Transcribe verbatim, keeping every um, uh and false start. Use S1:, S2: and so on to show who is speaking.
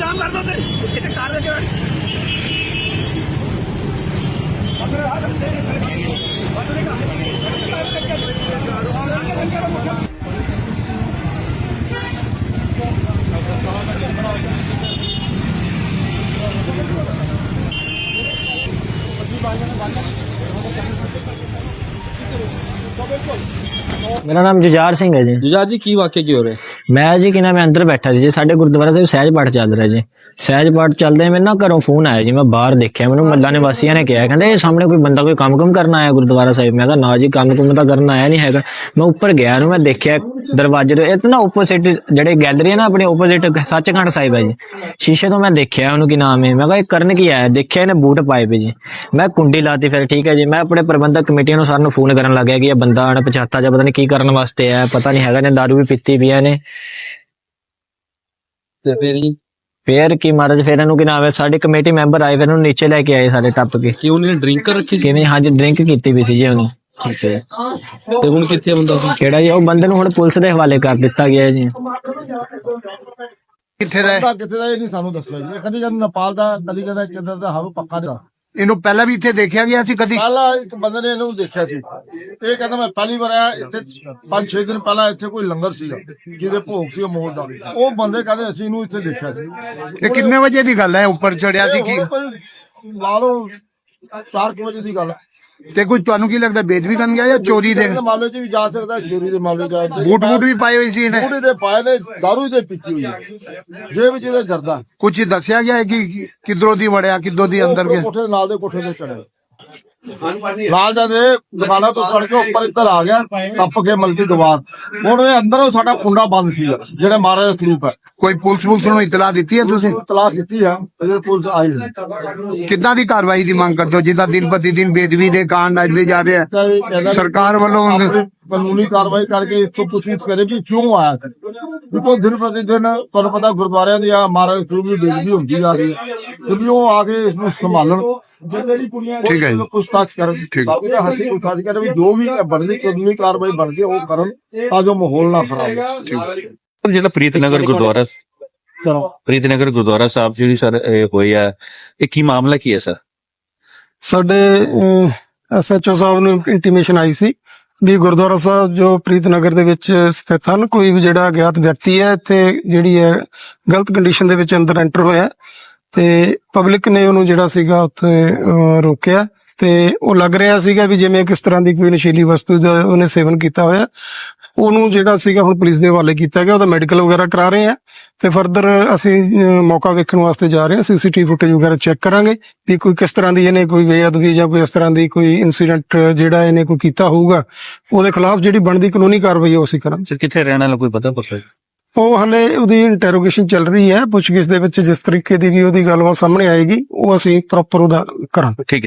S1: काम कर दो कितने कार लेके
S2: मेरा नाम जुझार सिंह है जी।
S3: जुझार जी की वाकई की हो रहे?
S2: मैं जी कि ना मैं अंदर बैठा ਸੀ ਜੀ ਸਾਡੇ ਗੁਰਦੁਆਰਾ ਸਾਹਿਬ ਸਹਿਜ ਪਾਠ ਚੱਲ ਰਿਹਾ ਜੀ। ਸਹਿਜ ਪਾਠ ਚੱਲਦੇ ਮੈਨੂੰ ਨਾ ਘਰੋਂ ਫੋਨ ਆਇਆ ਜੀ। ਮੈਂ ਬਾਹਰ ਦੇਖਿਆ, ਮੈਨੂੰ ਮੱਲਾ ਨਿਵਾਸੀਆਂ ਨੇ ਕਿਹਾ, ਕਹਿੰਦੇ ਇਹ ਸਾਹਮਣੇ ਕੋਈ ਬੰਦਾ ਕੋਈ ਕੰਮ ਕੰਮ ਕਰਨ ਆਇਆ ਗੁਰਦੁਆਰਾ ਸਾਹਿਬ। ਮੈਂ ਕਿਹਾ ਨਾ ਜੀ, ਕੰਮ ਕੁਮ ਤਾਂ ਕਰਨ ਆਇਆ ਨਹੀਂ ਹੈਗਾ। ਮੈਂ ਉੱਪਰ ਗਿਆ ਨੂੰ ਮੈਂ ਦੇਖਿਆ ਦਰਵਾਜ਼ੇ ਤੋਂ, ਇਹ ਨਾ ਓਪੋਜ਼ਿਟ ਜਿਹੜੇ ਗੈਲਰੀ ਹੈ ਨਾ ਆਪਣੇ ਓਪੋਜ਼ਿਟ ਸੱਚਖੰਡ ਸਾਹਿਬ ਹੈ ਜੀ। ਸ਼ੀਸ਼ੇ ਤੋਂ ਮੈਂ ਦੇਖਿਆ ਉਹਨੂੰ ਕੀ ਨਾਮ ਹੈ। ਮੈਂ ਕਿਹਾ ਇਹ ਕਰਨ ਕੀ ਆਇਆ? ਦੇਖਿਆ ਇਹਨੇ ਬੂਟ ਪਾਏ ਪਏ ਜੀ। ਮੈਂ ਕੁੰਡੀ ਲਾਤੀ। ਫਿਰ ਠੀਕ ਹੈ ਜੀ, ਮੈਂ ਆਪਣੇ ਪ੍ਰਬੰਧਕ ਕਮੇਟੀ ਨੂੰ ਸਾਰਿਆਂ ਨੂੰ ਫੋਨ ਕਰਨ ਲੱਗਿਆ ਕਿ ਇਹ ਬੰਦਾ ਅਣਪਛਾਤਾ ਜਾਂ ਪਤਾ ਨਹੀਂ ਕੀ ਕਰਨ ਵਾਸਤੇ ਆਇਆ, ਪਤਾ ਨਹੀਂ ਹੈਗਾ। ਨੇ ਦਾਰੂ ਵੀ ਪੀਤੀ ਪਈ ਨੇ।
S3: ਤੇ ਫਿਰ ਜੀ
S2: ਫੇਰ ਕੀ ਮਹਾਰਾਜ, ਫੇਰ ਇਹਨੂੰ ਕੀ ਨਾਮ ਹੈ, ਸਾਡੇ ਕਮੇਟੀ ਮੈਂਬਰ ਆਏ, ਫਿਰ ਉਹਨੂੰ ਨੀਚੇ ਲੈ ਕੇ ਆਏ ਸਾਰੇ ਟੱਪ ਕੇ।
S3: ਕਿ ਉਹਨੇ ਡਰਿੰਕ ਕਰ ਰੱਖੀ ਸੀ?
S2: ਕਿਵੇਂ? ਹਾਂਜੀ, ਡਰਿੰਕ ਕੀਤੀ ਵੀ ਸੀ ਜੀ ਉਹਨੇ।
S3: ਠੀਕ ਹੈ। ਤੇ ਹੁਣ ਕਿੱਥੇ ਬੰਦਾ ਸੀ?
S2: ਕਿਹੜਾ ਜੀ? ਉਹ ਬੰਦੇ ਨੂੰ ਹੁਣ ਪੁਲਿਸ ਦੇ ਹਵਾਲੇ ਕਰ ਦਿੱਤਾ ਗਿਆ ਜੀ।
S4: ਕਿੱਥੇ ਦਾ ਹੈ?
S5: ਕਿੱਥੇ ਦਾ ਇਹ ਨਹੀਂ ਸਾਨੂੰ ਦੱਸਿਆ ਜੀ। ਕਦੀ ਕਹਿੰਦੇ ਨੇਪਾਲ ਦਾ, ਕਦੀ ਕਹਿੰਦਾ ਕਿੱਧਰ ਦਾ, ਹਾਰੂ ਪੱਕਾ ਦਾ।
S4: ਇਹਨੂੰ ਪਹਿਲਾਂ ਵੀ ਇੱਥੇ ਦੇਖਿਆ ਗਿਆ ਸੀ ਕਦੀ?
S5: ਪਹਿਲਾਂ ਇੱਕ ਬੰਦੇ ਨੇ ਇਹਨੂੰ ਦੇਖਿਆ ਸੀ। ਇਹ ਕਹਿੰਦਾ ਮੈਂ ਪਹਿਲੀ ਵਾਰ ਆਇਆ ਇੱਥੇ। ਪੰਜ ਛੇ ਦਿਨ ਪਹਿਲਾਂ ਇੱਥੇ ਕੋਈ ਲੰਗਰ ਸੀਗਾ ਜਿਹਦੇ ਭੋਗ ਸੀ ਮੋਲ ਦਾ। ਉਹ ਬੰਦੇ ਕਹਿੰਦੇ ਅਸੀਂ ਇਹਨੂੰ ਇੱਥੇ ਦੇਖਿਆ ਸੀ।
S4: ਇਹ ਕਿੰਨੇ ਵਜੇ ਦੀ ਗੱਲ ਹੈ? ਉੱਪਰ ਚੜਿਆ ਸੀ ਕੀ?
S5: ਲਾ ਲਓ ਚਾਰ ਕੁ ਵਜੇ ਦੀ ਗੱਲ ਹੈ।
S4: ਤੇ ਕੋਈ ਤੁਹਾਨੂੰ ਕੀ ਲੱਗਦਾ ਬੇਦਬੀ ਕਰਨ ਗਿਆ ਜਾਂ ਚੋਰੀ ਦੇ?
S5: ਮਾਮਲੇ 'ਚ ਵੀ ਜਾ ਸਕਦਾ, ਚੋਰੀ ਦੇ ਮਾਮਲੇ 'ਚ ਜਾ ਸਕਦਾ।
S4: ਬੂਟ ਬੂਟ ਵੀ ਪਾਏ ਹੋਏ ਸੀ ਇਹਨੇ?
S5: ਬੂਟ ਦੇ ਪਾਏ ਨੇ, ਦਾਰੂ ਦੇ ਪੀਤੀ ਹੋਈ ਹੈ, ਜੇਬ ਵਿੱਚ ਇਹਦੇ ਜਰਦਾ।
S4: ਕੁਝ ਦੱਸਿਆ ਗਿਆ ਹੈ ਕਿ ਕਿਧਰੋਂ ਦੀ ਵੜਿਆ, ਕਿੱਦੋਂ ਦੀ ਅੰਦਰ ਗਿਆ?
S5: ਕੋਠੇ ਦੇ ਨਾਲ ਦੇ ਕੋਠੇ ਤੇ ਚੜਿਆ। ਲਾਲ ਦਾ ਦੇ ਦੁਕਾਨਾਂ ਤੋਂ ਚੜ ਕੇ ਉੱਪਰ ਇੱਧਰ ਆ ਗਿਆ, ਟੱਪ ਕੇ ਮਲਕੀ ਦੀਵਾਰ। ਹੁਣ ਇਹ ਅੰਦਰੋਂ ਸਾਡਾ ਕੁੰਡਾ ਬੰਦ ਸੀ ਜਿਹੜਾ ਮਹਾਰਾਜ ਦਾ ਸਰੂਪ ਹੈ।
S4: ਕੋਈ ਪੁਲਿਸ ਪੁਲਿਸ ਨੂੰ ਇਤਲਾਹ ਦਿੱਤੀ ਹੈ ਤੁਸੀਂ?
S5: ਤਲਾਕ ਕੀਤੀ ਆ, ਇਹਦੇ ਪੁਲਿਸ ਆਈ ਨਹੀਂ।
S4: ਕਿੱਦਾਂ ਦੀ ਕਾਰਵਾਈ ਦੀ ਮੰਗ ਕਰਦੇ ਹੋ ਜਿੱਦਾਂ ਦਿਨ ਪ੍ਰਤੀ ਦਿਨ ਬੇਦਬੀ ਦੇ ਕਾਂਡ ਅੱਜਦੇ ਜਾ ਰਹੇ ਆ? ਸਰਕਾਰ ਵੱਲੋਂ
S5: ਆਪਣੀ ਕਾਨੂੰਨੀ ਕਾਰਵਾਈ ਕਰਕੇ ਇਸ ਤੋਂ ਪੁੱਛਗਿੱਛ ਕਰੇ ਵੀ ਕਿਉਂ ਆਇਆ ਸੀ। ਕਿਉਂਕਿ ਦਿਨ ਪ੍ਰਤੀ ਦਿਨ ਤੁਹਾਨੂੰ ਪਤਾ ਗੁਰਦੁਆਰਿਆਂ ਦੀ ਆ ਮਹਾਰਾਜ ਸਰੂਪ ਦੀ ਬੇਦਬੀ ਹੁੰਦੀ ਜਾ ਰਹੀ ਹੈ। ਕਿਉਂਕਿ ਉਹ ਆ ਕੇ ਇਸ ਨੂੰ ਸੰਭਾਲਣ,
S4: ਠੀਕ ਹੈ ਜੀ,
S5: ਪੁੱਛਤਾਛ ਕਰਨ, ਬਾਕੀ ਤਾਂ ਹੱਥੀ ਪੁੱਛਤਾਛ ਕਰਨ ਵੀ ਜੋ ਵੀ ਬਣਦੀ ਕਾਨੂੰਨੀ ਕਾਰਵਾਈ ਬਣਦੀ ਉਹ ਕਰਨ ਤਾਂ ਜੋ ਮਾਹੌਲ ਨਾ ਖਰਾਬ ਹੋਵੇ।
S6: ਜਿਹੜਾ ਪ੍ਰੀਤਨਗਰ ਗੁਰਦੁਆਰਾ ਪ੍ਰੀਤਨਗਰ ਗੁਰਦੁਆਰਾ ਸਾਹਿਬ ਜਿਹੜੀ ਸਰ ਇਹ ਹੋਈ ਹੈ, ਇਹ ਕੀ ਮਾਮਲਾ ਕੀ ਹੈ ਸਰ?
S7: ਸਾਡੇ ਐਸ ਐਚ ਓ ਸਾਹਿਬ ਨੂੰ ਇੰਟੀਮੇਸ਼ਨ ਆਈ ਸੀ ਵੀ ਗੁਰਦੁਆਰਾ ਸਾਹਿਬ ਜੋ ਪ੍ਰੀਤਨਗਰ ਦੇ ਵਿੱਚ ਸਥਿਤ ਹਨ, ਕੋਈ ਵੀ ਜਿਹੜਾ ਅਗਿਆਤ ਵਿਅਕਤੀ ਹੈ ਇੱਥੇ ਜਿਹੜੀ ਹੈ ਗਲਤ ਕੰਡੀਸ਼ਨ ਦੇ ਵਿੱਚ ਅੰਦਰ ਐਂਟਰ ਹੋਇਆ ਤੇ ਪਬਲਿਕ ਨੇ ਉਹਨੂੰ ਜਿਹੜਾ ਸੀਗਾ ਉੱਥੇ ਰੋਕਿਆ ਤੇ ਉਹ ਲੱਗ ਰਿਹਾ ਸੀਗਾ ਵੀ ਜਿਵੇਂ ਕਿਸ ਤਰ੍ਹਾਂ ਦੀ ਕੋਈ ਨਸ਼ੀਲੀ ਵਸਤੂ ਦਾ ਉਹਨੇ ਸੇਵਨ ਕੀਤਾ ਹੋਇਆ। ਉਹਨੂੰ ਜਿਹੜਾ ਸੀਗਾ ਹੁਣ ਪੁਲਿਸ ਦੇ ਹਵਾਲੇ ਕੀਤਾ ਗਿਆ, ਉਹਦਾ ਮੈਡੀਕਲ ਵਗੈਰਾ ਕਰਾ ਰਹੇ ਆ ਤੇ ਫਰਦਰ ਅਸੀਂ ਮੌਕਾ ਵੇਖਣ ਵਾਸਤੇ ਜਾ ਰਹੇ ਹਾਂ। ਸੀਸੀਟੀਵੀ ਫੁਟੇਜ ਵਗੈਰਾ ਚੈੱਕ ਕਰਾਂਗੇ ਵੀ ਕੋਈ ਕਿਸ ਤਰ੍ਹਾਂ ਦੀ ਇਹਨੇ ਕੋਈ ਬੇਅਦਬੀ ਜਾਂ ਕੋਈ ਇਸ ਤਰ੍ਹਾਂ ਦੀ ਕੋਈ ਇਨਸੀਡੈਂਟ ਜਿਹੜਾ ਇਹਨੇ ਕੋਈ ਕੀਤਾ ਹੋਊਗਾ, ਉਹਦੇ ਖਿਲਾਫ ਜਿਹੜੀ ਬਣਦੀ ਕਾਨੂੰਨੀ ਕਾਰਵਾਈ ਉਹ ਅਸੀਂ ਕਰਾਂਗੇ।
S6: ਸਰ ਕਿੱਥੇ ਰਹਿਣ ਵਾਲਾ ਕੋਈ ਪਤਾ ਪਤਾ?
S7: ਉਹ ਹਲੇ ਉਹਦੀ ਇੰਟਰੋਗੇਸ਼ਨ ਚੱਲ ਰਹੀ ਹੈ। ਪੁੱਛਗਿੱਛ ਦੇ ਵਿੱਚ ਜਿਸ ਤਰੀਕੇ ਦੀ ਵੀ ਉਹਦੀ ਗੱਲਬਾਤ ਸਾਹਮਣੇ ਆਏਗੀ ਉਹ ਅਸੀਂ ਪ੍ਰੋਪਰ ਉਹਦਾ ਕਰਾਂਗੇ।
S6: ਠੀਕ ਹੈ।